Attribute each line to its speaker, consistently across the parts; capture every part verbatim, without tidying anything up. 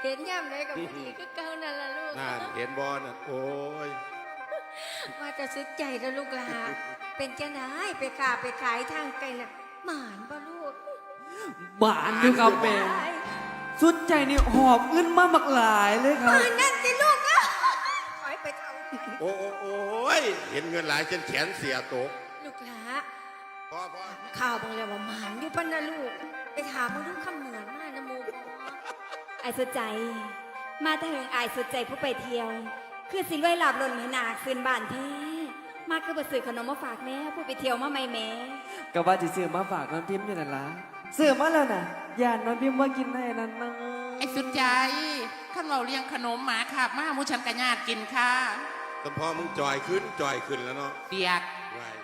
Speaker 1: เห็นย่ำเลยกับผู้ดีก็เก่านั่นละลูก
Speaker 2: นั่นเห็นบอลน่ะโอ้ย
Speaker 1: ว่าจะซึ้งใจแล้วลูกหลาเป็นจะไหนไปขาไปขายทางไกลน่ะหมานบ่ลูก
Speaker 3: บานด้วยครับแม่สุดใจนี่หอบเงินมาหมักหลายเลยค
Speaker 1: ห
Speaker 3: รับ
Speaker 1: มานนั่นสิลูกอ่ะถอยไปเท่า
Speaker 2: โอ้โอ้โอ้ยเห็นเงินหลายจนแขนเสียตก
Speaker 1: ลูกหลา
Speaker 2: พ่อพ่อ
Speaker 1: ข่าวบางแล้วว่าหมานอยู่ปะนะลูกไปถามมึงดูคำเหมือนมากนะโมบอ
Speaker 4: ไอ้สุดใจ มาแต่เหิงไอ้สุดใจผู้ไปเที่ยว คือสิรวยหลับหล่นเหมือนหนาคืนบ้านแท้มาคือบ่ซื้อขนมมาฝากแม่ผู้ไปเที่ยวมาไม่แม่
Speaker 3: ก็ว่าจะซื้อมาฝากน้องพิมพ์อยู่นั่นล่ะซื้อมาแล้วน่ะย่านน้องพิมพ์ว่ากินได้นั่นนะ
Speaker 5: ไอ้สุดใจข้าเราเลี้ยงขนมหมาขับมามูฉันกระญาติกินค่ะ
Speaker 2: แต่พอมึงจอยขึ้นจอยขึ้นแล้วเนาะ
Speaker 5: เปียก
Speaker 2: ไง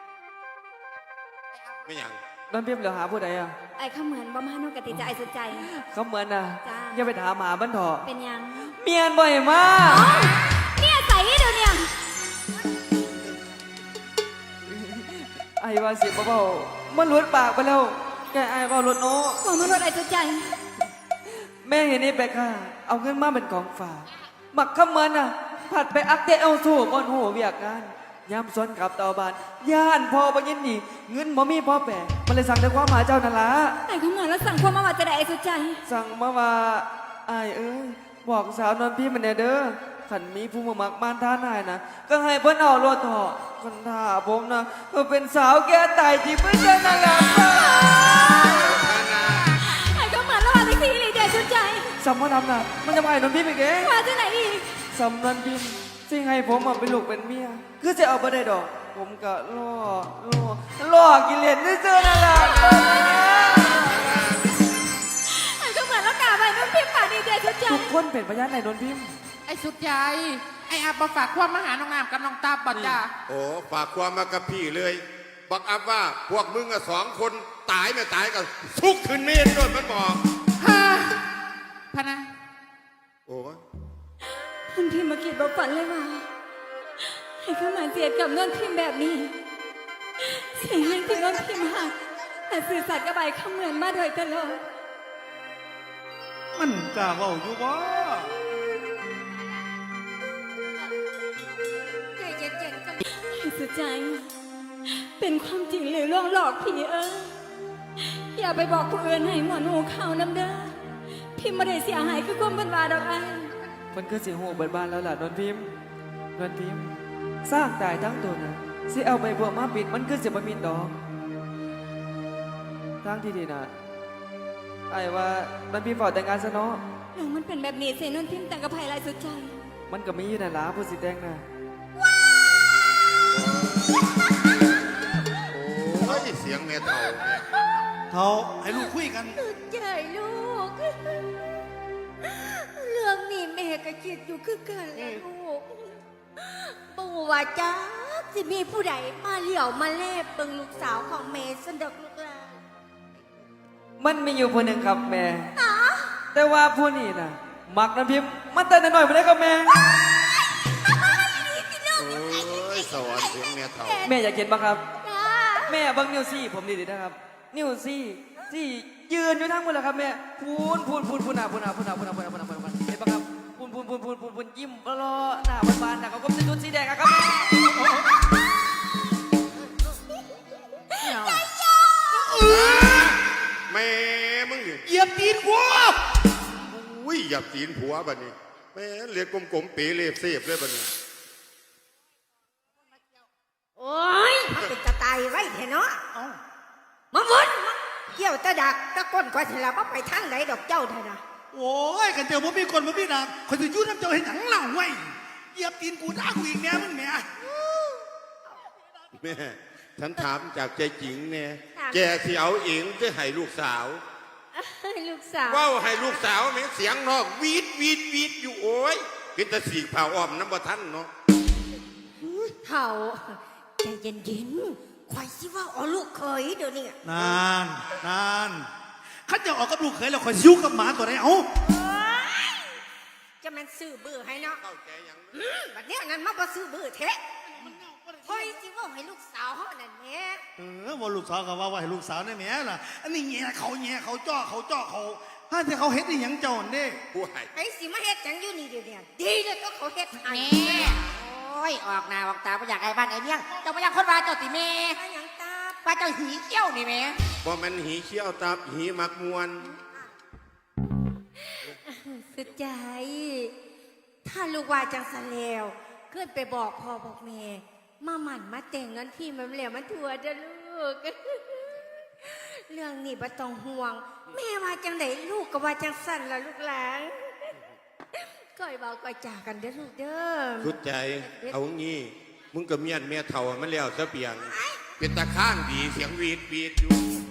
Speaker 2: ไม่หยัง
Speaker 3: น้องพิมพ์เหลือหาผู้ใดอ่ะ
Speaker 4: ไอ้ข้าเหมือนบ่มาโนกติจะไอ้สุดใจ
Speaker 3: เขาเหมือนน่ะ
Speaker 4: จ้า
Speaker 3: อย่าไปถามหาบ้านเถอะ
Speaker 4: เป็นยัง
Speaker 3: เมียนบ่อยมาก
Speaker 4: เนี่ยใส่เดี๋ยวเนี่ย
Speaker 3: ไอ้ว่าสิบ่เบามันหลุดปากไปแล้วแกไอ้เบาหลุดโน้
Speaker 4: บอกมารถไอ้สุดใจ
Speaker 3: แม่เห็นนี่ไปค่ะ เอาเงินมาเป็นของฝากหมักข้ามันน่ะ ผัดไปอักเตะเอาสู้บนหัวเวียกงานยามซ้อนกับเตาบานย่านพอบังยินนี่เงินบ่มีพ่อแปะมันเลยสั่งด้วยความหมายเจ้านั่นละ
Speaker 4: ไอ้ข้าเหมือนแล้วสั่งความมาว่าจะได้ไอ้สุดใจ
Speaker 3: สั่งมาว่าไอ้ายเอ้ยบอกสาวนอนพี่มันแน่เด้อขันมีผู้มามักมานท่านายนะก็ให้เพิ่นเอาโลดเถาะคนท่าผมนะก็เป็นสาวแก่ตายที่เพิ่นจะนั่นแหละ
Speaker 4: ไอ้ข้าเหมือนแล้วว่าแท็กซี่เลยเดี๋ยวสุดใจ
Speaker 3: สำมันทำน่ะมันจะมาให้นอนพี่ไปเอง
Speaker 4: ว่าจะไหนอีก
Speaker 3: สำนันพิมสิ่งให้ผมมาเป็นลูกเป็นเมียคือจะเอาไปได้ดอก ผมก็ล่อล่อล่อกิเลสนี่เจอนั่นแหละ
Speaker 4: ไอ้ข้าเหมือนแล้วกล่าวไปน้องพิมพ์ปากดีเดี๋ยวสุดใจ
Speaker 3: ทุกคนเป็นพยานในนนพิมพ์
Speaker 5: ไอ้สุดใจไอ้อาบมาฝากความมาหาน้องงามกับน้องตาบัดจ้า
Speaker 2: โอ้ฝากความมากับพี่เลยบอกอัพว่าพวกมึงอะสองคนตายไม่ตายกันทุกขึ้นเมนด้วยมันบอก
Speaker 5: ฮ่าพะนะ
Speaker 2: โอ้ย
Speaker 4: คุณพิมพ์มาคิดบอกฝันเลยว่าให้ข้าเหมือนเสียกับน้องพิมพ์แบบนี้เสียให้ที่น้องพิมพ์หักแต่สื่อสัตย์กับใบข้าเหมือนมาโดยตลอด
Speaker 6: มันกล้าเว้าอยู่บ่
Speaker 1: ใจเย็นๆกัน
Speaker 4: ให้สุดใจ เป็นความจริงหรือล่วงหลอกผีเอ้ยอย่าไปบอกผู้อื่นให้หมอนหูข่าวน้ำเด้อพิมพ์ไม่ได้เสียหายคือความเป็นวาดอกไอ้
Speaker 3: มันคือสิหูเบิดบ้านแล้วล่ะนนพิมพ์นนพิมพ์สร้างตายทั้งตัวนะสิเอาไปบวกมาปิดมันคือสิบมินดอกทางที่ดีนะไอ้ว่านนพิมพ์ฝอแต่งงานซะเนาะ
Speaker 4: เรื่องมันเป็นแบบนี้เสียนนพิมพ์แต่งกับไผ่ลายสุดใจ
Speaker 3: มันก็มีอยู่นั่นล่ะผู้สิแต่งนะ
Speaker 2: โอ้ยเสียงแม่เต่าเนี่ย
Speaker 6: เท่าให้ลูกคุยกัน
Speaker 1: สุดใจลูก เรื่องนี้แม่ก็คิดอยู่คือกันแหละลูกปู่ว่าจ้าสิมีผู้ใดมาเหลี่ยวมาแลบเบิ่งลูกสาวของแม่สนดอกลูกหลาน
Speaker 3: มันมีอยู่คนหนึ่งครับแม่ แต่ว่าผู้นี้นะมักน้ำพิมพ์มันแต่น้อยๆไปได้กับแม่
Speaker 2: โอ้ยสวรรค์เสียงแม่เต่า
Speaker 3: แม่อยากเห็นปะครับ
Speaker 1: จ้า
Speaker 3: แม่เบังนิ้วซี่ผมดีๆนะครับ นิ้วซี่ซี่ยืนอยู่ทั้งหมดแล้วครับแม่พูนพูนพูนพูนหนาพูนหนาพูนหนาพูนหนาพูนหนาพูนหนาพูนหนาเห็นปะครับพูนพูนพูนพูนพูนพูนยิ้มรอหน้าบานๆหน้าเขาก็จะจุดสีแดงอะครับแม่
Speaker 2: แม่มึงดิ
Speaker 6: เหยียบตีนกู
Speaker 2: อุ้ยหยับตีนผัวบัดนี้แม่เรียกกลมๆเป๋เล็บเสียบเลยบัดนี้
Speaker 1: โอ้ยมันเป็นจะตายไว้เถอะเนาะมาวนมาเกี่ยวตะดักตะก้นกว่าสิละบ่ไปทางไหนดอกเจ้าเถอะนะ
Speaker 6: โอ้ยกันเจอบ่มีคนบ่มีดาบคนจะยุ่น้ำเจ้าเห็นหนังเหล่าไว้เหยียบตีนกูด่ากูอีกแม่มึงแม่
Speaker 2: แม่ฉันถามจากใจจริงเนี่ยแกที่เอาเองจะให้ลูกสาว
Speaker 1: ลูกสาว
Speaker 2: ว้าวให้ลูกสาวแม่เสียงนอกวีดวีดวีดอยู่โอ้ยเป็นตะสีเผาอ้อมน้ำบ่ทันเนาะ
Speaker 1: เฒ่าใจเย็นๆข่อยสิว่าเอาลูกเคยเดี๋ยวนี้
Speaker 6: นานนานขันจะออกกับลูกเขยแล้วคอยซิ้วกับหมาตัวไหนเอ้า
Speaker 1: จะแม่นซื้อเบื่อให้เนาะ
Speaker 2: เข้าใจยัง
Speaker 1: อืมบัดเนี้ยนั้นมาบ่ซื้อเบื่อเทะข่อยสิว่าให้ลูกสาวเฮานั่นแหม่
Speaker 6: เออว่าลูกสาวก็ว่าว่าให้ลูกสาวนี่แม่ล่ะอันนี้แง่เขาแง่เขาจ้อเขาจ้อเขาถ้าที่เขาเฮ็ดอีหยังเจ้าอันเด้
Speaker 2: ผู้ให้
Speaker 1: ไอ้สิมาเฮ็ดจังอยู่นี่เดี๋ยวนี้ดีเลยก็เขาเฮ็ดให้
Speaker 5: แม่โอ้ยออกหน้าออกตาไม่อยากไอ้บ้านไอ้เมี่ยงเจ้าไม่อยากคนว่าเจ้าติแม่
Speaker 1: ถ้าหยังตา
Speaker 5: ว่าเจ้าหีเขี้ยวนี่แม่
Speaker 2: บ่มันหีเขี้ยวตับหีมักมวน
Speaker 1: สุดใจ ถ้าลูกว่าจังสันแล้วขึ้นไปบอกพ่อบอกแม่มาหมั่นมาแต่งเงินที่มันแล้วมันถั่วเด้อลูก เรื่องนี้บ่ต้องห่วง แม่ว่าจังไดลูกก็ว่าจังสั่นล่ะลูกหลานก้อยเบาก้อยจากกันเด้อลูกเด้อ
Speaker 2: สุดใจเอางี้มึงกับเมียนเมียเท่ามันแล้วซะเปียง เป็นตาข้างดีเสียงวีดวีดอยู่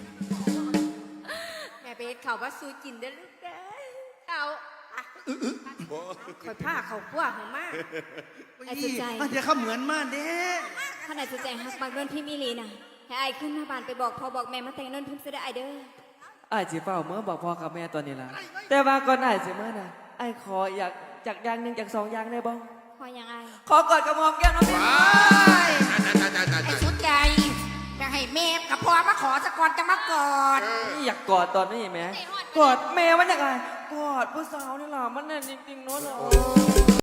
Speaker 1: แม่ไปเฮ็ดข้าวว่าสู้กินเด้อลูกเด้อเอาอ่ะ
Speaker 2: บ่
Speaker 1: ข่อยผ้าเขากลัวของมาก
Speaker 4: ไอ้สุดใจ
Speaker 6: ถ้าที่เขาเหมือนมาเด้
Speaker 4: ขนาดสุดใจฮักบักนวลพิมพ์อีหลีน่ะให้ไอ้ขึ้นมาบ้านไปบอกพ่อบอกแม่มาแต่งนวลพิมพ์ซะได้ไอ้เด้อ
Speaker 3: ไอ้ายสิเฝ้าเมื่อบอกพ่อกับแม่ตอนนี้ล่ะแต่ว่าก่อนไอ้ายสิเมื่อน่ะไอ้ายขออยากจากอย่างหนึ่งจากสองอย่างได้บ้าง
Speaker 4: พอยังไง
Speaker 3: ขอกอดกับหอมแก้มน้องพิม
Speaker 2: ว้ายนั่นนั่นนั่นนั่น
Speaker 5: ไอ้
Speaker 2: นั่น
Speaker 5: สุดใจจะให้แม่กับพ่อมาขอสะก่อนจะมากอด
Speaker 3: นี่อยากกอดตอนนี้ไหมกอดแม่มันอยากไงกอดผู้สาวนี่ล่ะมันน่ะจริงๆเนาะ